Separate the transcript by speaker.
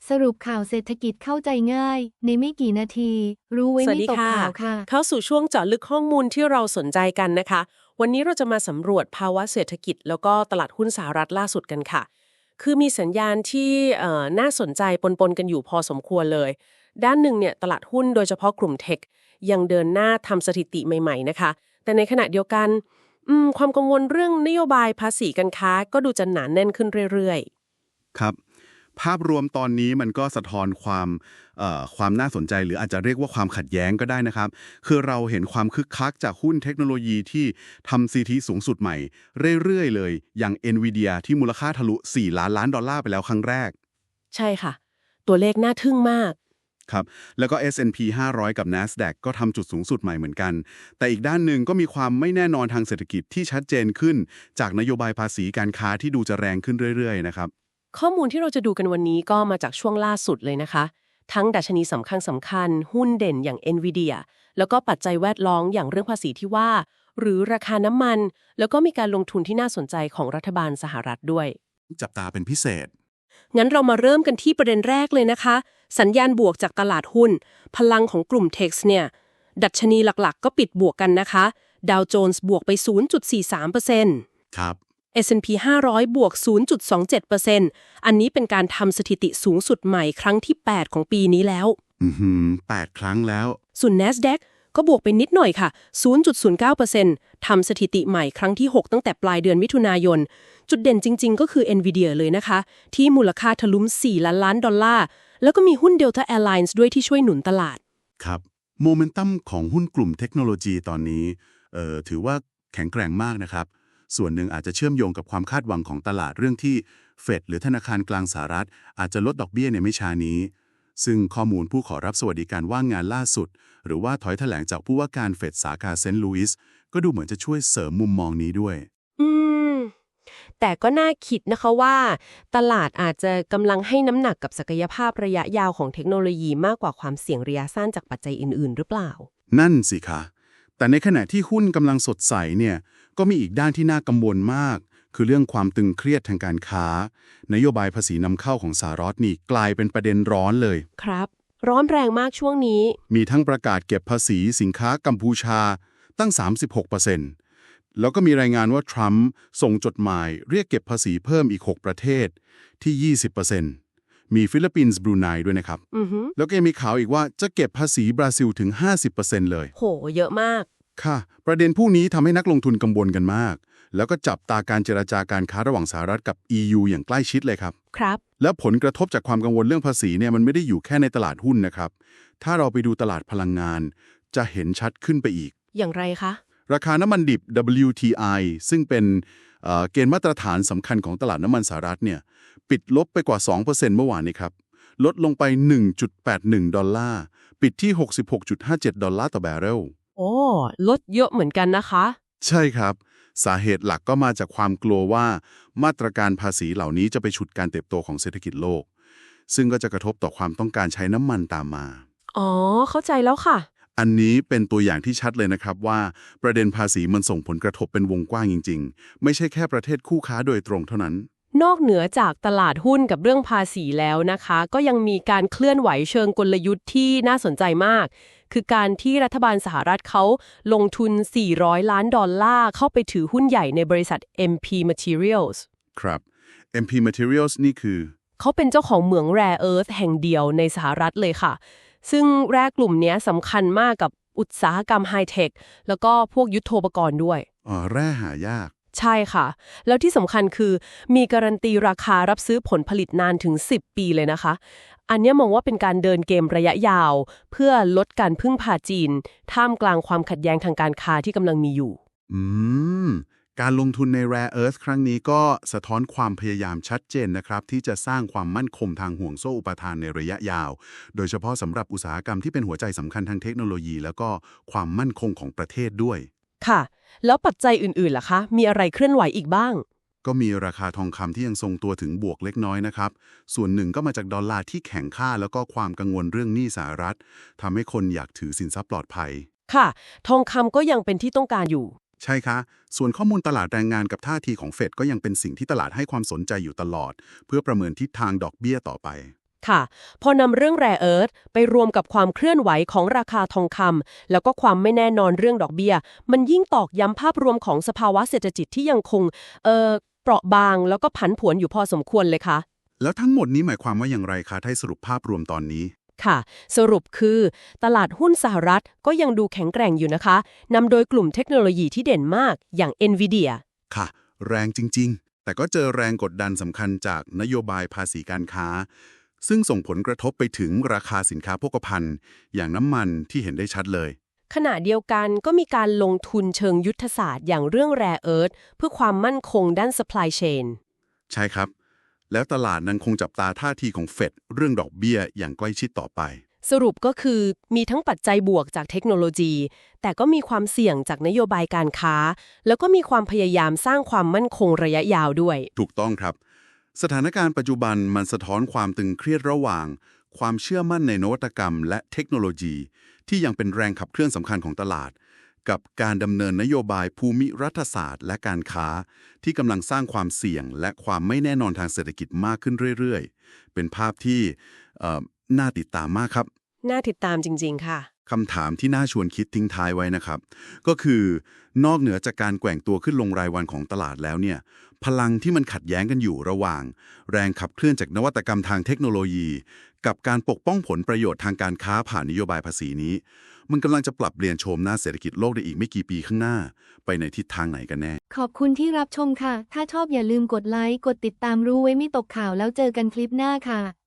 Speaker 1: สรุปข่าวเศรษฐกิจเข้าใจง่ายในไม่กี่นาทีรู้ไว้ไม่ตกข่าวค่ะ
Speaker 2: เข้าสู่ช่วงเจาะลึกข้อมูลที่เราสนใจกันนะคะวันนี้เราจะมาสำรวจภาวะเศรษฐกิจแล้วก็ตลาดหุ้นสหรัฐล่าสุดกันค่ะคือมีสัญญาณที่น่าสนใจปนกันอยู่พอสมควรเลยด้านหนึ่งเนี่ยตลาดหุ้นโดยเฉพาะกลุ่มเทคยังเดินหน้าทำสถิติใหม่ๆนะคะแต่ในขณะเดียวกันความกังวลเรื่องนโยบายภาษีการค้าก็ดูจะหนาแน่นขึ้นเรื่อย
Speaker 3: ๆครับภาพรวมตอนนี้มันก็สะท้อนความน่าสนใจหรืออาจจะเรียกว่าความขัดแย้งก็ได้นะครับคือเราเห็นความคึกคักจากหุ้นเทคโนโลยีที่ทำ CT สูงสุดใหม่เรื่อยๆเลยอย่าง NVIDIA ที่มูลค่าทะลุ4 ล้านล้านดอลลาร์ไปแล้วครั้งแรก
Speaker 2: ใช่ค่ะตัวเลขน่าทึ่งมาก
Speaker 3: ครับแล้วก็ S&P 500 กับ NASDAQ ก็ทำจุดสูงสุดใหม่เหมือนกันแต่อีกด้านหนึ่งก็มีความไม่แน่นอนทางเศรษฐกิจที่ชัดเจนขึ้นจากนโยบายภาษีการค้าที่ดูจะแรงขึ้นเรื่อยๆนะครับ
Speaker 2: ข้อมูลที่เราจะดูกันวันนี้ก็มาจากช่วงล่าสุดเลยนะคะทั้งดัชนีสำคัญหุ้นเด่นอย่าง NVIDIA แล้วก็ปัจจัยแวดล้อมอย่างเรื่องภาษีที่ว่าหรือราคาน้ำมันแล้วก็มีการลงทุนที่น่าสนใจของรัฐบาลสหรัฐด้วย
Speaker 3: จับตาเป็นพิเศษ
Speaker 2: งั้นเรามาเริ่มกันที่ประเด็นแรกเลยนะคะสัญญาณบวกจากตลาดหุ้นพลังของกลุ่ม Tech เนี่ยดัชนีหลักๆก็ปิดบวกกันนะคะดาวโจนส์บวกไป 0.43%
Speaker 3: ครับ
Speaker 2: S&P 500 บวก 0.27% อันนี้เป็นการทำสถิติสูงสุดใหม่ครั้งที่ 8 ของปีนี้แล้ว
Speaker 3: 8 ครั้งแล้ว
Speaker 2: ส่วน NASDAQ ก็บวกไปนิดหน่อยค่ะ 0.09% ทำสถิติใหม่ครั้งที่ 6 ตั้งแต่ปลายเดือนมิถุนายนจุดเด่นจริงๆ ก็คือ NVIDIA เลยนะคะที่มูลค่าทะลุ4 ล้านล้านดอลลาร์แล้วก็มีหุ้น Delta Airlines ด้วยที่ช่วยหนุนตลาด
Speaker 3: ครับโมเมนตัมของหุ้นกลุ่มเทคโนโลยีตอนนี้ถือว่าแข็งแกร่งมากนะครับส่วนหนึ่งอาจจะเชื่อมโยงกับความคาดหวังของตลาดเรื่องที่เฟดหรือธนาคารกลางสหรัฐอาจจะลดดอกเบี้ยในไม่ช้านี้ซึ่งข้อมูลผู้ขอรับสวัสดิการว่างงานล่าสุดหรือว่าถอยแถลงจากผู้ว่าการเฟดสาขาเซนต์ลุยส์ก็ดูเหมือนจะช่วยเสริมมุมมองนี้ด้วย
Speaker 2: แต่ก็น่าคิดนะคะว่าตลาดอาจจะกำลังให้น้ำหนักกับศักยภาพระยะยาวของเทคโนโลยีมากกว่าความเสี่ยงระยะสั้นจากปัจจัยอื่นๆหรือเปล่า
Speaker 3: นั่นสิคะแต่ในขณะที่หุ้นกำลังสดใสเนี่ยก็มีอีกด้านที่น่ากังวลมากคือเรื่องความตึงเครียดทางการค้านโยบายภาษีนำเข้าของสหรัฐนี่กลายเป็นประเด็นร้อนเลย
Speaker 2: ครับร้อนแรงมากช่วงนี้
Speaker 3: มีทั้งประกาศเก็บภาษีสินค้ากัมพูชาตั้ง 36%แล้วก็มีรายงานว่าทรัมป์ส่งจดหมายเรียกเก็บภาษีเพิ่มอีก 6 ประเทศที่ 20%มีฟิลิปปินส์บรูไนด้วยนะครับแล้วก็ยังมีข่าวอีกว่าจะเก็บภาษีบราซิลถึง 50% เลย
Speaker 2: โหเยอะมาก
Speaker 3: ค่ะประเด็นพวกนี้ทำให้นักลงทุนกังวลกันมากแล้วก็จับตาการเจรจาการค้าระหว่างสหรัฐกับ EU อย่างใกล้ชิดเลยครับ
Speaker 2: ครับ
Speaker 3: แล้วผลกระทบจากความกังวลเรื่องภาษีเนี่ยมันไม่ได้อยู่แค่ในตลาดหุ้นนะครับถ้าเราไปดูตลาดพลังงานจะเห็นชัดขึ้นไปอีก
Speaker 2: อย่างไรคะ
Speaker 3: ราคาน้ำมันดิบ WTI ซึ่งเป็นเกณฑ์มาตรฐานสำคัญของตลาดน้ำมันสหรัฐเนี่ยปิดลบไปกว่า 2% เมื่อวานนี้ครับลดลงไป 1.81 ดอลลาร์ปิดที่ 66.57 ดอลลาร์ต่อแบเรล
Speaker 2: โอ้ลดเยอะเหมือนกันนะคะ
Speaker 3: ใช่ครับสาเหตุหลักก็มาจากความกลัวว่ามาตรการภาษีเหล่านี้จะไปฉุดการเติบโตของเศรษฐกิจโลกซึ่งก็จะกระทบต่อความต้องการใช้น้ำมันตามมา
Speaker 2: อ๋อเข้าใจแล้วค่ะ
Speaker 3: อันนี้เป็นตัวอย่างที่ชัดเลยนะครับว่าประเด็นภาษีมันส่งผลกระทบเป็นวงกว้างจริงๆไม่ใช่แค่ประเทศคู่ค้าโดยตรงเท่านั้น
Speaker 2: นอกเหนือจากตลาดหุ้นกับเรื่องภาษีแล้วนะคะก็ยังมีการเคลื่อนไหวเชิงกลยุทธ์ที่น่าสนใจมากคือการที่รัฐบาลสหรัฐเขาลงทุน$400 ล้านเข้าไปถือหุ้นใหญ่ในบริษัท MP Materials
Speaker 3: ครับ MP Materials นี่คือ
Speaker 2: เขาเป็นเจ้าของเหมือง Rare Earth แห่งเดียวในสหรัฐเลยค่ะซึ่งแร่กลุ่มนี้สำคัญมากกับอุตสาหกรรมไฮเทคแล้วก็พวกยุทโธปกรณ์ด้วย
Speaker 3: แร่หายาก
Speaker 2: ใช่ค่ะแล้วที่สำคัญคือมีการันตีราคารับซื้อผลผลิตนานถึง10 ปีเลยนะคะอันนี้มองว่าเป็นการเดินเกมระยะยาวเพื่อลดการพึ่งพาจีนท่ามกลางความขัดแย้งทางการค้าที่กำลังมีอยู่
Speaker 3: การลงทุนใน Rare Earth ครั้งนี้ก็สะท้อนความพยายามชัดเจนนะครับที่จะสร้างความมั่นคงทางห่วงโซ่อุปทานในระยะยาวโดยเฉพาะสำหรับอุตสาหกรรมที่เป็นหัวใจสำคัญทางเทคโนโลยีแล้วก็ความมั่นคงของประเทศด้วย
Speaker 2: ค่ะแล้วปัจจัยอื่นๆล่ะคะมีอะไรเคลื่อนไหวอีกบ้าง
Speaker 3: ก็มีราคาทองคำที่ยังทรงตัวถึงบวกเล็กน้อยนะครับส่วนหนึ่งก็มาจากดอลลาร์ที่แข็งค่าแล้วก็ความกังวลเรื่องหนี้สหรัฐทำให้คนอยากถือสินทรัพย์ปลอดภัย
Speaker 2: ค่ะทองคำก็ยังเป็นที่ต้องการอยู่
Speaker 3: ใช่คะส่วนข้อมูลตลาดแรงงานกับท่าทีของเฟดก็ยังเป็นสิ่งที่ตลาดให้ความสนใจอยู่ตลอดเพื่อประเมินทิศทางดอกเบี้ยต่อไป
Speaker 2: ค่ะพอนำเรื่องแร่เอิร์ธไปรวมกับความเคลื่อนไหวของราคาทองคำแล้วก็ความไม่แน่นอนเรื่องดอกเบี้ยมันยิ่งตอกย้ำภาพรวมของสภาวะเศรษฐกิจที่ยังคงเปราะบางแล้วก็ผันผวนอยู่พอสมควรเลยค่ะ
Speaker 3: แล้วทั้งหมดนี้หมายความว่าอย่างไรคะถ้าให้สรุปภาพรวมตอนนี้
Speaker 2: ค่ะสรุปคือตลาดหุ้นสหรัฐก็ยังดูแข็งแกร่งอยู่นะคะนำโดยกลุ่มเทคโนโลยีที่เด่นมากอย่าง NVIDIA
Speaker 3: ค่ะ แรงจริงๆ แต่ก็เจอแรงกดดันสำคัญจากนโยบายภาษีการค้า ซึ่งส่งผลกระทบไปถึงราคาสินค้าโภคภัณฑ์อย่างน้ำมันที่เห็นได้ชัดเลย
Speaker 2: ขณะเดียวกันก็มีการลงทุนเชิงยุทธศาสตร์อย่างเรื่อง Rare Earth เพื่อความมั่นคงด้าน supply chain
Speaker 3: ใช่ครับ แล้วตลาดนั้นคงจับตาท่าทีของเฟดเรื่องดอกเบี้ยอย่างใกล้ชิดต่อไป
Speaker 2: สรุปก็คือมีทั้งปัจจัยบวกจากเทคโนโลยี แต่ก็มีความเสี่ยงจากนโยบายการค้า แล้วก็มีความพยายามสร้างความมั่นคงระยะยาวด้วย
Speaker 3: ถูกต้องครับ สถานการณ์ปัจจุบันมันสะท้อนความตึงเครียดระหว่าง ความเชื่อมั่นในนวัตกรรมและเทคโนโลยี ที่ยังเป็นแรงขับเคลื่อนสำคัญของตลาด กับการดำเนินนโยบายภูมิรัฐศาสตร์และการค้า ที่กำลังสร้างความเสี่ยงและความไม่แน่นอนทางเศรษฐกิจมากขึ้นเรื่อยๆ เป็นภาพที่น่าติดตามมากครับ
Speaker 2: น่าติดตามจริงๆค่ะ
Speaker 3: คำถามที่น่าชวนคิดทิ้งท้ายไว้นะครับ ก็คือนอกเหนือจากการแกว่งตัวขึ้นลงรายวันของตลาดแล้วเนี่ยพลังที่มันขัดแย้งกันอยู่ระหว่าง แรงขับเคลื่อนจากนวัตกรรมทางเทคโนโลยี กับการปกป้องผลประโยชน์ทางการค้าผ่านนโยบายภาษีนี้ มันกำลังจะปรับเปลี่ยนโฉมหน้าเศรษฐกิจโลกได้อีกไม่กี่ปีข้างหน้า ไปในทิศทางไหนกันแน่
Speaker 1: ขอบคุณที่รับชมค่ะ ถ้าชอบอย่าลืมกดไลค์ กดติดตามรู้ไว้ไม่ตกข่าวแล้วเจอกันคลิปหน้าค่ะ